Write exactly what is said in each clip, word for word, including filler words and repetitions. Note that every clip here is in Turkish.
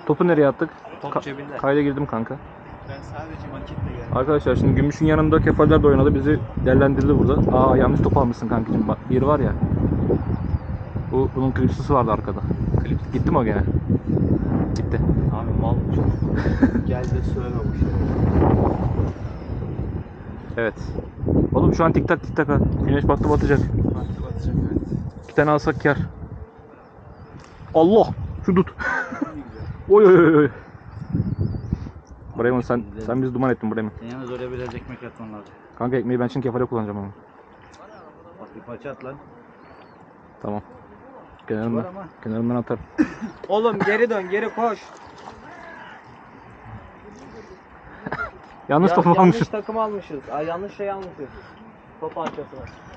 Topu nereye attık? Top Ka cebinde. Kayda girdim kanka. Ben sadece maketle geldim. Arkadaşlar şimdi Gümüş'ün yanında kefaller de oynadı. Bizi değerlendirdi burada. Aa yanlış top almışsın kankacığım. Bak bir var ya. Bu bunun klipsisi vardı arkada. Klips. Gitti mi o gene? Gitti. Abi mal gel de söyleme bu şey. Evet. Oğlum şu an tik tak tik tak ha. Güneş battı batacak. Battı batacak evet. İki tane alsak kar. Allah! Şu tut. Oy oy oy oy. Bremen sen sen bizi duman ettin Bremen. Yalnız oraya biraz ekmek atman lazım. Kanka ekmeği ben şimdi kefale kullanacağım ama. Bak bir parça at lan. Tamam. Kenarından, Var ama. kenarından atar. Oğlum geri dön, geri koş. Yanlış Ya, topu yanlış almışım. takım almışız. Ay, yanlış şey almışız. Top parçasını.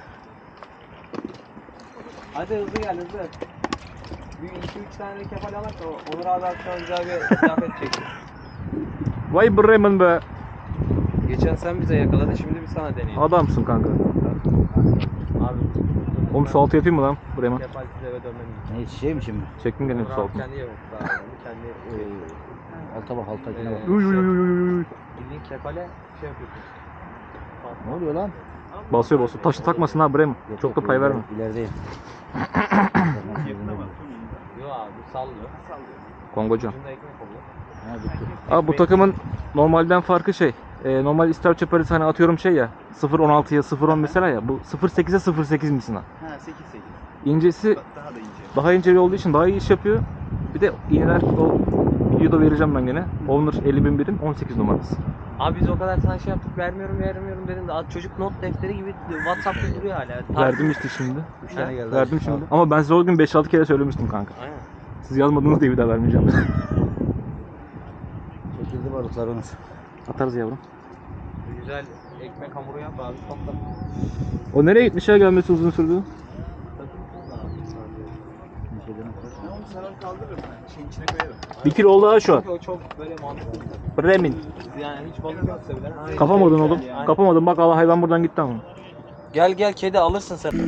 Hadi hızlı gel hızlı. Bir iki üç tane de kefal alak da Onur abi akşam güzel bir kıyafet çekti. Vay Bremen be. Geçen sen bize yakaladın, şimdi biz sana deneyelim. Adamsın kanka. Abi. Oğlum su altı yapayım mı lan Bremen? Kefalsiz eve dönmem. Ne şey mi şimdi? Çektim gene Onur su abi altını. kendi yemek daha kendi Ee, alta bak altakine bak. Uy uy uy uy uy uy. bildiğin kefale şey yapıyorsun. Ne oluyor lan? Basıyor basıyor. Taşı takmasın ha Bremen. Yok, Çok da yok, pay iler- verme. İlerideyim. Yo abi bu sallıyor. Kongocu. Ucunda ekmek oluyor. Ha bitti. Abi bu takımın normalden farkı şey. E, normal Star Chaparral hani atıyorum şey ya. sıfır on altıya sıfır on mesela ya. Bu sıfır sekize sıfır sekiz misin ha? Ha sekiz sekiz. İncesi Daha da ince. daha ince olduğu için daha iyi iş yapıyor. Bir de iğneler o videoda vereceğim ben gene. Owner elli bin birim on sekiz numarası. Abi biz o kadar sana şey yaptık, vermiyorum vermiyorum dedin de az çocuk not defteri gibi WhatsApp'ta duruyor hala. Verdim işte şimdi. Üç tane geldi. Verdim şimdi. Ama ben size o gün beş altı kere söylemiştim kanka. Aynen. Siz yazmadınız diye bir daha vermeyeceğim. Çekildi balıklar Onur. Atarız yavrum. Güzel ekmek hamuru yap abi, topla. O nereye gitmiş ya, gelmesi uzun sürdü? Ben onu sana kaldırırım ben. Şeyin içine koyarım. Bir kilo oldu ha şu an. Çünkü o çok böyle mantıklı. Bremen. Yani hiç balık yoksa bile. Aynen. Kapamadın oğlum. Yani. Kapamadın. Bak Allah hayvan buradan gitti ama. Gel gel kedi alırsın sen.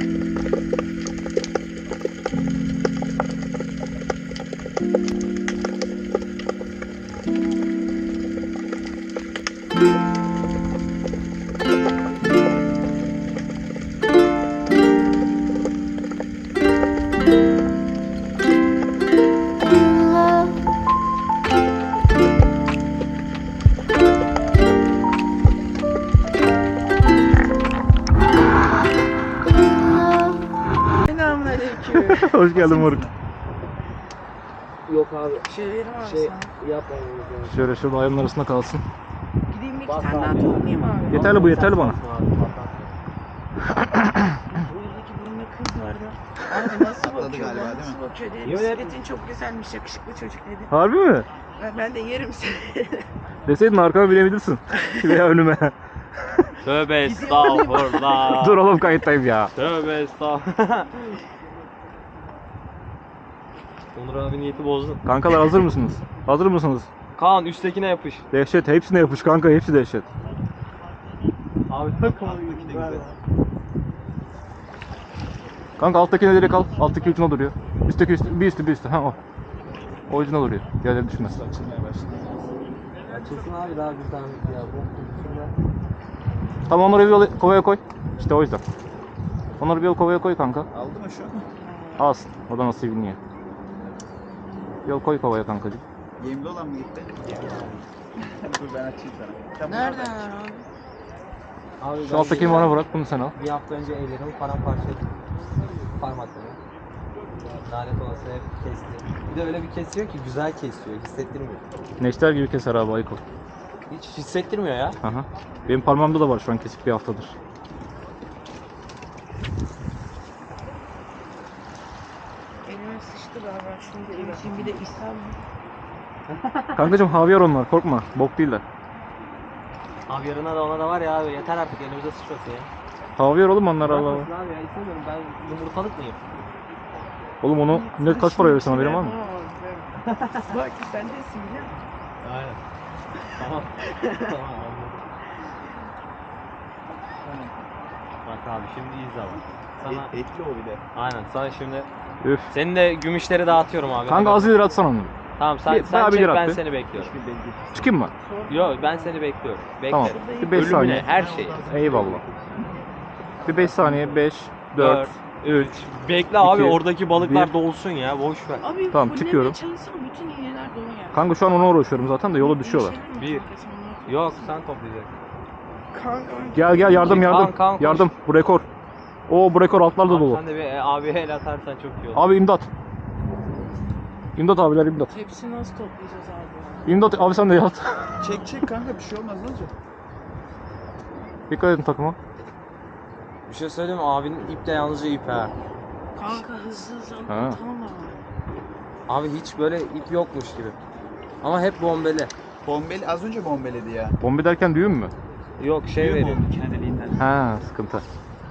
Selamünaleyküm. Hoş geldin moruk. Yok abi. Şey verir misin? Şey yapmamamız lazım. Şöyle şurada ayağımın arasında kalsın. Gideyim bir iki Bak tane daha abi. toplayayım abi. Yeterli bu, yeterli bana. Buradaki burunlu kız vardı. Abi nasıl Atladı bakıyor galiba, lan, değil nasıl mi? bakıyor dedi. Yemin ederim. Bisikletin çok güzelmiş, yakışıklı çocuk dedi. Harbi mi? Ben, ben de yerim seni. Deseydin arkama binebilirsin. Veya önüme. Tövbe estağfurullah. Dur oğlum kayıttayım ya. Tövbe estağfurullah. Onur abi niyeti bozdu. Kankalar hazır mısınız? Hazır mısınız? Kaan üsttekine yapış. Dehşet. Hepsine yapış kanka. Hepsi dehşet. Abi takım güzel. Kanka alttakine direkt al. Alttaki ucuna duruyor. Üstteki üstü, bir üstü bir üstü. Ha o. O ucuna duruyor. Diğerleri düşmez. Açılmaya başladı. Açılsın abi daha bir tane ya bu. Tamam onları bir yol kovaya koy. İşte o yüzden. Onları bir yol kovaya koy kanka. Aldı mı şu an? Alsın. O da nasıl biniyor. Yol koy kovaya kankacığım. Yemli olan mı gitti? Dur ben açayım sana. Tamam, Nereden ben- abi? Abi Şu alttakini bana bırak. Bunu sen al. Bir hafta önce ellerimi paramparça ettim. Parmakları. Lanet olası hep kesti. Bir de öyle bir kesiyor ki güzel kesiyor, hissettirmiyor. Neşter gibi keser abi Ayko. Hiç hissettirmiyor ya. Aha. Benim parmağımda da var şu an kesik bir haftadır. Elime sıçtı galiba. Şunu da emçeyim, bir de ishal mı? Kankacığım havyar onlar, korkma. Bok değiller. Abi yarına da ona da var ya abi yeter artık elimize sıçrası ya. Havyar oğlum onlar Allah Allah. Bırakmasın abi ya istemiyorum ben yumurtalık mıyım? Oğlum onu net kaç para verirsin haberin var mı? Bak sen desin biliyor musun? Aynen. Tamam. Tamam anladım. Bak abi şimdi iyi zaman. Sana Et- etli o bir de. aynen sana şimdi Üf. senin de gümüşleri dağıtıyorum abi. Kanka az ileri atsana onu. Tamam sen, Bir- sen bayağı bir çek lira ben attı. seni bekliyorum. Çıkayım mı? Yok ben seni bekliyorum. Tamam. Beklerim. Bir beş Ölümüne saniye. her şeyi. Eyvallah. Bir beş saniye. beş, dört, üç. Bekle abi iki, oradaki balıklar bir. dolsun ya boş ver. Abi Tamam, fullemeye çıkıyorum. çalışsana bütün iğneler dolar. Kanka şu an ona uğraşıyorum zaten de yola düşüyorlar. Bir. Yok sen toplayacaksın. Kanka. Gel gel yardım yardım. Kaan, Kaan, koş. Yardım. Bu rekor. Oo bu rekor altlarda Abi dolu. sen de bir e, abiye el atarsan çok iyi olur. Abi imdat. İmdat abiler imdat. Hepsini nasıl toplayacağız abi? İmdat abi sen de yat. Çek çek kanka bir şey olmaz ne olacak? Dikkat edin takıma. Bir şey söyleyeyim mi? Abinin ip de yalnızca ip ha. Kanka hızlı hızlı Ha. atalım ama. Abi hiç böyle ip yokmuş gibi. Ama hep bombeli. Bombeli az önce bombeledi ya. Bombe derken düğün mü? Yok şey Düğüm veriyor. oldu kendiliğinden. Ha sıkıntı.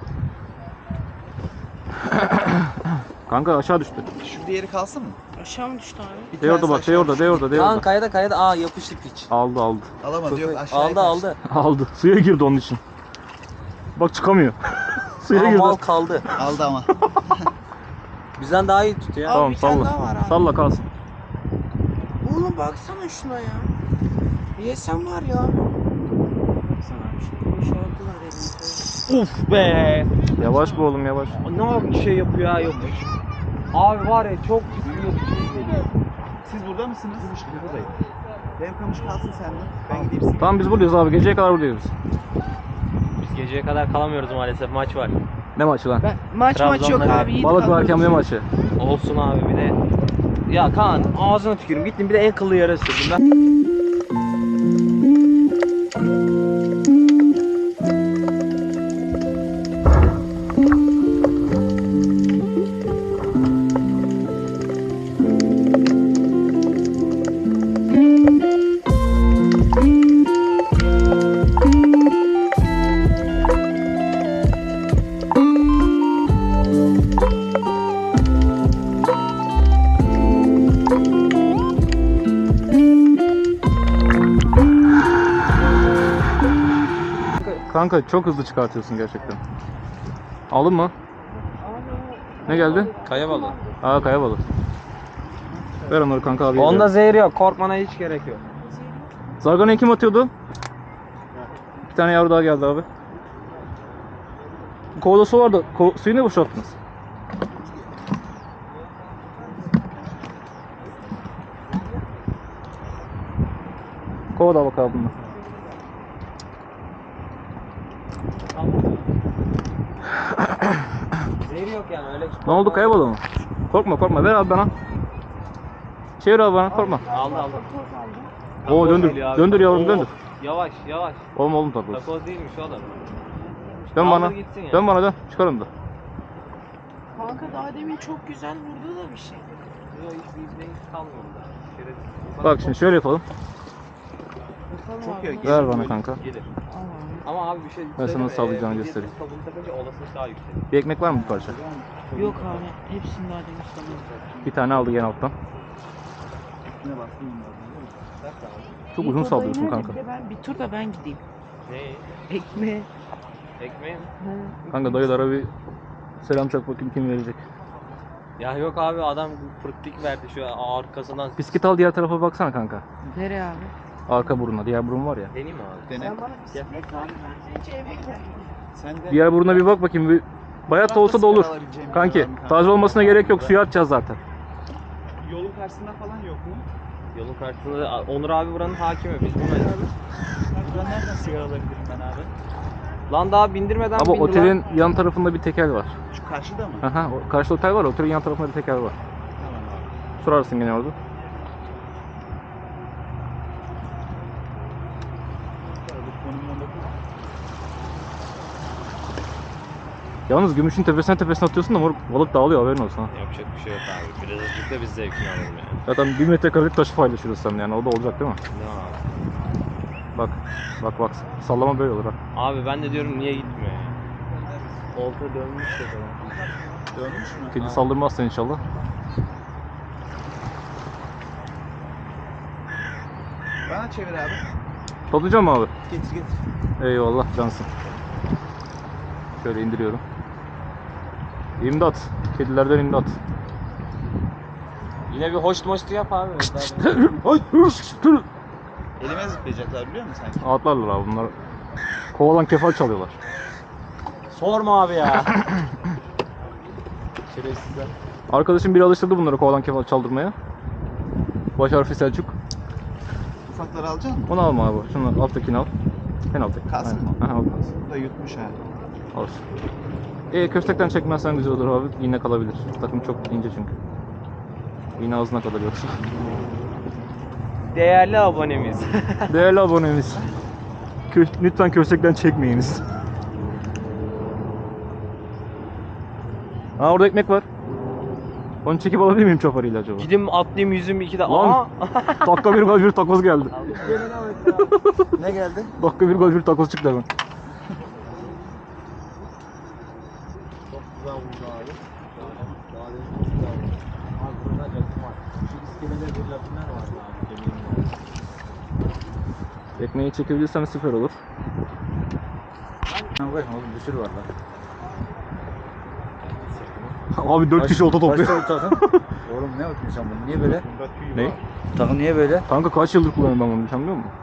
Kanka aşağı düştü. Şu diğeri kalsın mı? Aşağı mı düştü abi? Bir De orada tanesi bak, de aşağı orada, düştü. de orada, de Kaan orada. kayada kayada aa yapıştı piç. Aldı aldı. Alamadı yok aşağıya Aldı kaçtı. aldı. Aldı. Suya girdi onun için. Bak çıkamıyor. Suya Aa, girdi. mal kaldı. Aldı ama. Bizden daha iyi tutuyor ya. Abi Tamam bir tane salla. daha var abi. Salla kalsın. Oğlum baksana şuna ya. Yesem var ya. Baksana abi şunu boşalttılar elimizde. Uf be. Yavaş bu oğlum yavaş. Ne yapıyor şey yapıyor ha yokuş. Abi var ya çok ciddi yokuş geliyor. Siz burada mısınız? Buradayım. Benim kamış kalsın sende. Ben gideyim size. Tamam biz buradayız abi. Geceye kadar buradayız biz. Biz geceye kadar kalamıyoruz maalesef maç var. Ne maçı lan? Ben, maç maç yok Trabzon'da abi. Yiğit Balık kalkıyoruz. varken ne maçı? Olsun abi bir de. Ya Kaan ağzına tükürüm gittim bir de en kıllı yere sürdüm ben. Kanka çok hızlı çıkartıyorsun gerçekten. Aldın mı? Ne geldi? Kaya balığı. Aa kaya balığı. Ver onları kanka abi. Onda zehir yok korkmana hiç gerek yok. Zargana'yı kim atıyordu? Bir tane yavru daha geldi abi. Kovada su vardı. Ko suyu ne boşalttınız? Kovada bak abi bunlar. Zehir yok yani öyle. Ne oldu kaya balığı mı? Korkma korkma ver abi bana. Çevir abi bana korkma. Aldı aldı. Oo Takoz döndür. geliyor abi. Döndür yavrum Oo, döndür. Yavaş yavaş. Oğlum oğlum takoz. Takoz değilmiş oğlum. Dön Kaldır bana. gitsin ya. Dön bana dön. Çıkarım da. Kanka daha demin çok güzel vurdu da bir şey. Yok hiç bizde hiç kalmıyor burada. Şerefsiz. Bak şimdi şöyle yapalım. Bakalım Çok abi iyi. nasıl- Ver bana kanka. Gelir. Al abi. Ama abi bir şey Ben sana söyleyeyim mi? sallayacağını Ee, göstereyim. midyetli kabuğunu takınca olasılık daha yüksek. Bir ekmek var mı bir parça? Yok abi. Hepsini daha demin sanırım. Bir tane aldı gene alttan. Ne bastın bunlar? Çok uzun sallıyorsun kanka. Ben bir tur da ben gideyim. Neyi? Ekmeğe. Ekmeği mi? Kanka dayılara bir selam çak bakayım kim verecek. Ya yok abi adam fırtlık verdi şu arkasından. Biskit al diğer tarafa baksana kanka. Nereye abi? Arka buruna. Diğer burun var ya. Deneyim mi abi? Dene. Sen bana bisiklet ver. Ben seni hiç eve Sen de. Diğer buruna bir bak bakayım. Bir bayat da olsa da olur. Kanki taze olmasına gerek yok. Suya atacağız zaten. Yolun karşısında falan yok mu? Yolun karşısında da- Onur abi buranın hakimi biz bunu. Buradan nereden sigara alabilirim ben abi? Lan daha bindirmeden Ama bindi otelin lan. yan tarafında bir tekel var. Şu karşıda mı? Aha, o karşıda otel var. Otelin yan tarafında bir tekel var. Tamam abi. Sorarsın gene orada. Bu konumunda da- Yalnız gümüşün tepesine tepesine atıyorsun da moruk, balık dağılıyor haberin olsun ha. Yapacak bir şey yok abi. Biraz azıcık biz zevkini alalım yani. Zaten bir metrekarelik taşı paylaşırız seninle yani o da olacak değil mi? Ne abi? Bak bak bak sallama böyle olur ha. Abi ben de diyorum niye gitmiyor ya? Olta dönmüş ya falan. Dönmüş mü? Kedi Ha. saldırmazsan inşallah. Bana çevir abi. Toplayacağım mı abi? Getir getir. Eyvallah cansın. Şöyle indiriyorum. İmdat. Kedilerden imdat. Yine bir hoş moştu yap abi. Elime zıplayacaklar biliyor musun sanki? Atlarlar abi bunlar. Kovalan kefal çalıyorlar. Sorma abi ya. Şerefsizler. Arkadaşım biri alıştırdı bunları kovalan kefal çaldırmaya. Baş harfi Selçuk. Ufakları alacak mısın? Onu alma abi. Şunu alttakini al. En alttaki. Kalsın Aynen. mı? Aha, o kalsın. Bu da yutmuş ha. Olsun. E köstekten çekmezsen güzel olur abi. İğne kalabilir. Takım çok ince çünkü. İğne ağzına kadar yoksa. Değerli abonemiz. Değerli abonemiz. Kö lütfen köstekten çekmeyiniz. Ha orada ekmek var. Onu çekip alabilir miyim çoparıyla acaba? Gidim atlayayım yüzüm iki de. Lan! Aa! Dakika bir gol bir takoz geldi. Ne geldi? Dakika bir gol bir takoz çıktı hemen. Çok güzel vurdu abi. Daha demin çok güzel vurdu. Abi burada rakım var. Şu iskelede bir rakımlar vardı abi. Kemiğim var. Ekmeği çekebilirsem süper olur. Bakın oğlum bir sürü var lan. Abi dört kişi olta topluyor. Kaç takım? Oğlum ne yapıyorsun sen bunu? Niye böyle? Ne? Takım niye böyle? Kanka kaç yıldır kullanıyorum ben bunu, sen biliyor musun?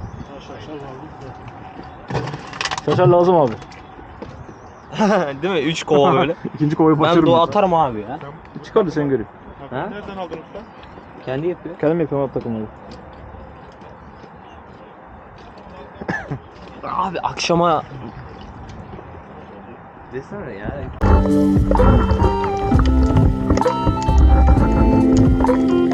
Şaşar lazım abi. Değil mi? Üç kova böyle. İkinci kovayı Ben başarırım. doğa atarım abi ya. Çıkar da sen göreyim. Ha? Nereden aldın usta? Kendi yapıyor. Kendim yapıyorum abi takımları. Abi akşama desene ya.